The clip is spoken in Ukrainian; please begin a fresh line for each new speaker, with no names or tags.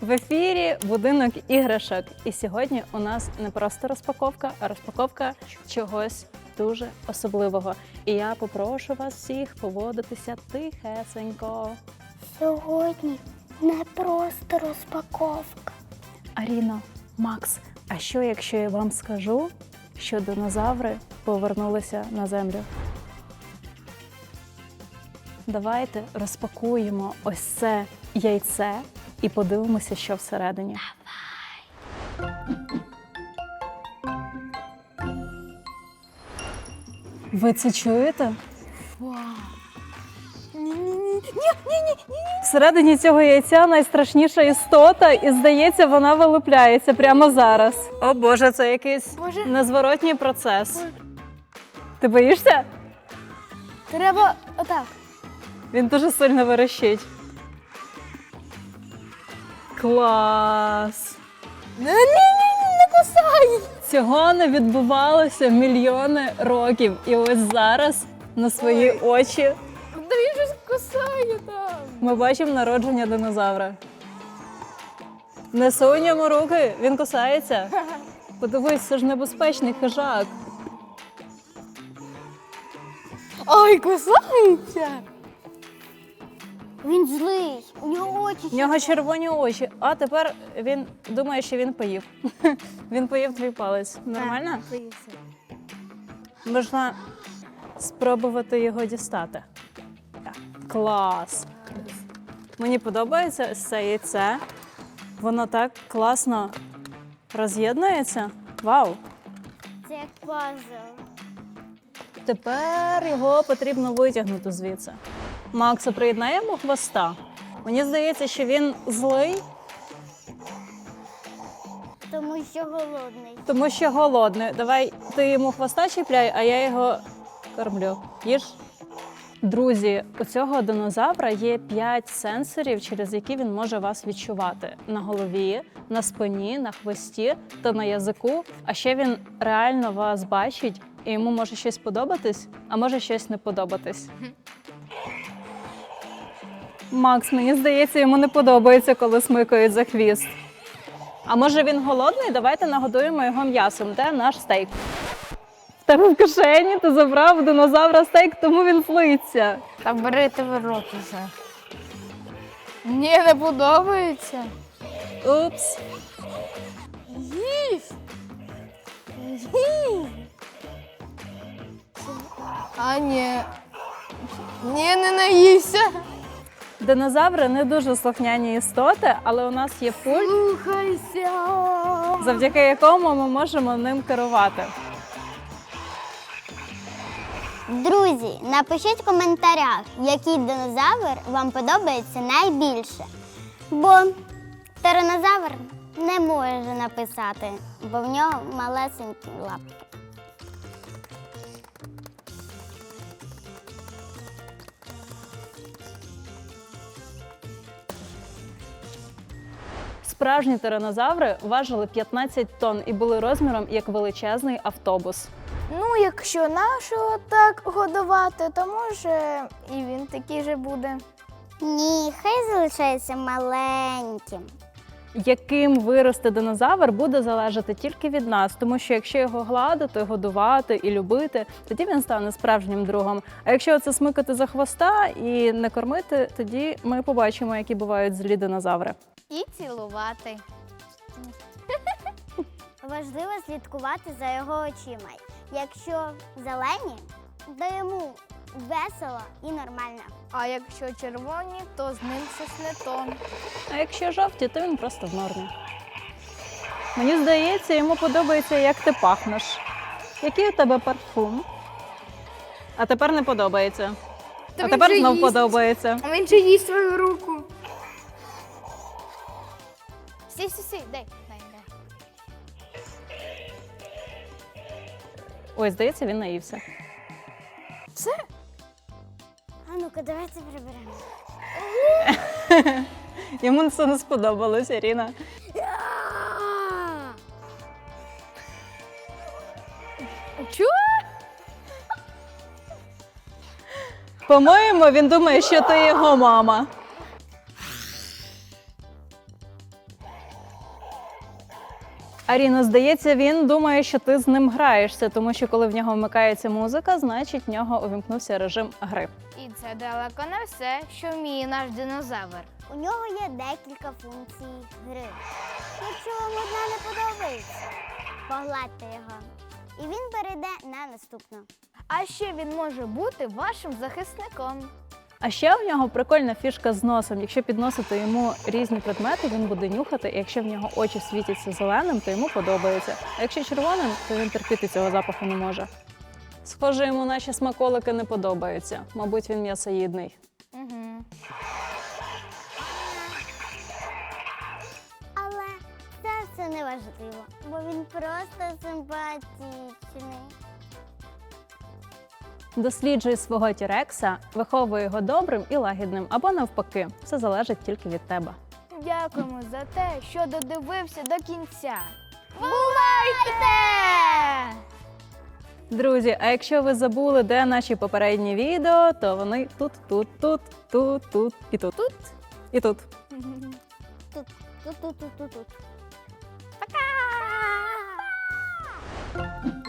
В ефірі «Будинок іграшок». І сьогодні у нас не просто розпаковка, а розпаковка чогось дуже особливого. І я попрошу вас всіх поводитися тихесенько.
Сьогодні не просто розпаковка.
Аріно, Макс, а що якщо я вам скажу, що динозаври повернулися на землю? Давайте розпакуємо ось це яйце і подивимося, що всередині. Ви це чуєте?
Вау!
Всередині цього яйця найстрашніша істота, і, здається, вона вилупляється прямо зараз. О Боже, це якийсь незворотній процес. Ти боїшся?
Треба отак.
Він дуже сильно верещить. Клас!
Не кусай!
Цього не відбувалося мільйони років. І ось зараз на свої очі
Да він же кусає там.
ми бачимо народження динозавра. Не сунь йому руки, він кусається. Подивись, це ж небезпечний хижак.
Ой, кусається! Він злий, у нього очі.
В нього червоні очі, а тепер він думає, що він поїв. Він поїв твій палець. Нормально?
Поївся.
Можна спробувати його дістати. Так. Клас! Мені подобається ось це яйце. Воно так класно роз'єднується. Вау!
Це як пазл.
Тепер його потрібно витягнути звідси. Макса, приєднаємо хвоста. Мені здається, що він злий,
Тому що голодний.
тому що голодний. Давай ти йому хвоста чіпляй, а я його кормлю. Їж. Друзі, у цього динозавра є 5 сенсорів, через які він може вас відчувати. На голові, на спині, на хвості та на язику. А ще він реально вас бачить, і йому може щось подобатись, а може щось не подобатись. Макс, мені здається, йому не подобається, коли смикають за хвіст. А може він голодний? Давайте нагодуємо його м'ясом. Де наш стейк? В тебе в кишені ти забрав у динозавра стейк, тому він злиться.
Та бери ти в рот уже. Мені не подобається.
Упс.
Їсть. Їсть. А ні. Ні, не наївся.
Динозаври не дуже слухняні істоти, але у нас є пульт,
Слухайся.
завдяки якому ми можемо ним керувати.
Друзі, напишіть в коментарях, який динозавр вам подобається найбільше. Бо тиранозавр не може написати, бо в нього малесенькі лапки.
Справжні тиранозаври важили 15 тонн і були розміром як величезний автобус.
Ну, якщо нашого так годувати, то може і він такий же буде.
Ні, хай залишається маленьким.
Яким виросте динозавр, буде залежати тільки від нас, тому що якщо його гладити, годувати і любити, тоді він стане справжнім другом. А якщо це смикати за хвоста і не кормити, тоді ми побачимо, які бувають злі динозаври.
І цілувати.
Важливо слідкувати за його очима. Якщо зелені, то йому весело і нормально.
А якщо червоні, то з ним щось не то.
А якщо жовті, то він просто в нормі. Мені здається, йому подобається, як ти пахнеш. Який у тебе парфум? А тепер не подобається.
Та
А
він
тепер
же
знов
їсть.
подобається.
А він же їсть свою руку. Сі, дай.
Ой, здається, він наївся.
Все?
А ну-ка, давайте приберемо.
Йому це не сподобалось, Ірина.
Чого?
По-моєму, він думає, що ти його мама. Аріна, здається, він думає, що ти з ним граєшся, тому що коли в нього вмикається музика, значить в нього увімкнувся режим гри.
І це далеко не все, що вміє наш динозавр.
У нього є декілька функцій гри. Якщо вам одна не подобається, погладьте його. І він перейде на наступну.
А ще він може бути вашим захисником.
А ще в нього прикольна фішка з носом. Якщо підносити йому різні предмети, він буде нюхати, і якщо в нього очі світяться зеленим, то йому подобається. А якщо червоним, то він терпіти цього запаху не може. Схоже, йому наші смаколики не подобаються. Мабуть, він м'ясоїдний.
Угу.
Але це все не важливо, бо він просто симпатичний.
Досліджуй свого тірекса, виховуй його добрим і лагідним, або навпаки. Все залежить тільки від тебе.
Дякуємо за те, що додивився до кінця. Бувайте!
Друзі, а якщо ви забули, де наші попередні відео, то вони тут і тут. І тут.
Тут.
Пока!